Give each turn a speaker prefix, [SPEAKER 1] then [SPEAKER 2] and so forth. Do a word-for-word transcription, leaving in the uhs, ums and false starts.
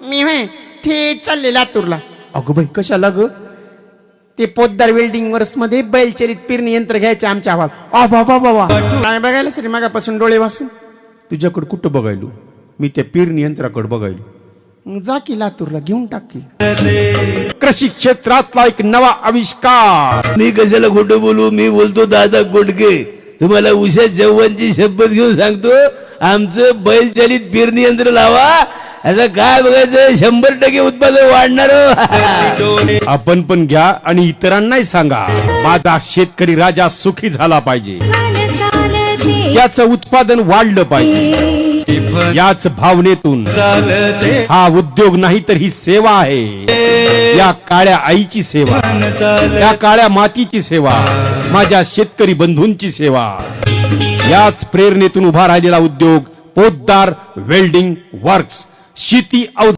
[SPEAKER 1] मी होय थेट चालले लातूरला. अगो बाई कशाला ग? ते पोद्दार वेल्डिंग वर्स मध्ये बैलचरित पेरणी यंत्र घ्यायचे आमच्या अभाव. आ बाबा बाबा काय बघायला सरी मागापासून डोळे वासून.
[SPEAKER 2] तुझ्याकडे कुठं बघायलो? मी त्या पेरणी यंत्राकडे बघायलो.
[SPEAKER 1] मग जा की लातूरला घेऊन टाक की.
[SPEAKER 2] कृषी क्षेत्रातला एक नवा आविष्कार.
[SPEAKER 3] मी कशाला खोटं बोलू? मी बोलतो दादा कोटके. तुम्हाला उषा चव्हाणची शपथ घेऊन सांगतो, आमचं बैलचालित पेरणी यंत्र लावा. आता काय बघायचं, शंभर टक्के उत्पादन वाढणार.
[SPEAKER 2] आपण पण घ्या आणि इतरांनाही सांगा. माझा शेतकरी राजा सुखी झाला पाहिजे, याचं उत्पादन वाढलं पाहिजे. याच भावनेतून हा उद्योग नाही तर ही सेवा आहे. या काळ्या आईची सेवा, या काळ्या मातीची सेवा, माझ्या शेतकरी बंधूंची सेवा. याच प्रेरणेतून उभा राहिलेला उद्योग पोद्दार वेल्डिंग वर्क्स. शेती